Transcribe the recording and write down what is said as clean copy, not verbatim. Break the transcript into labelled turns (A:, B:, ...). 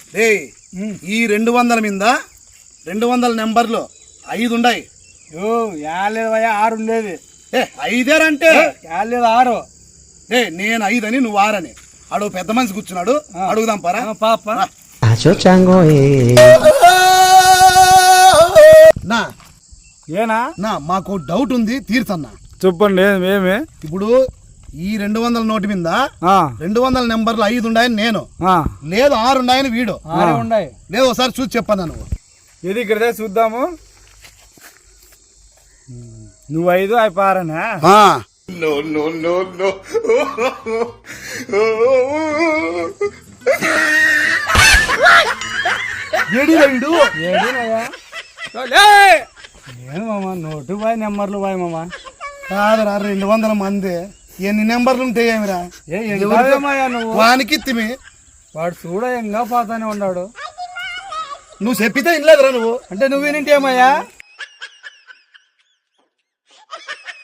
A: ఈ 200 మీద 200 నెంబర్లు 5 ఉన్నాయి.
B: లేదు భయ్యా 6 ఉండేది.
A: 5 అంటే
B: లేదు 6.
A: నేను 5 అని నువ్వు 6 అని. అడుగు పెద్ద మనిషి కూర్చున్నాడు, అడుగుదాం పరా
B: పాప.
A: నా మాకు డౌట్ ఉంది, తీర్చన్నా.
B: చెప్పండి ఏమి.
A: ఇప్పుడు ఈ 200 నోటు మీద 200 నెంబర్లు 5 ఉన్నాయని నేను, లేదు 6 ఉన్నాయని వీడు.
B: ఉన్నాయి
A: లేదు ఒకసారి చూసి చెప్పన్నా నువ్వు.
B: ఇది ఇక్కడ చూద్దాము. నువ్వు 5 అయిపోయారనా? నేను మామ నోటు బాయ్ నెంబర్లు బాయ్ మామ.
A: కాదురా 200 మంది ఎన్ని నెంబర్లు ఉంటాయి ఏమిరా?
B: నువ్వు
A: వానికి తిమి
B: వాడు చూడ ఎంగా పోతానే ఉన్నాడు.
A: నువ్వు చెప్పితే ఇన్లేదురా నువ్వు.
B: అంటే నువ్వు వినింటేమయ్యా?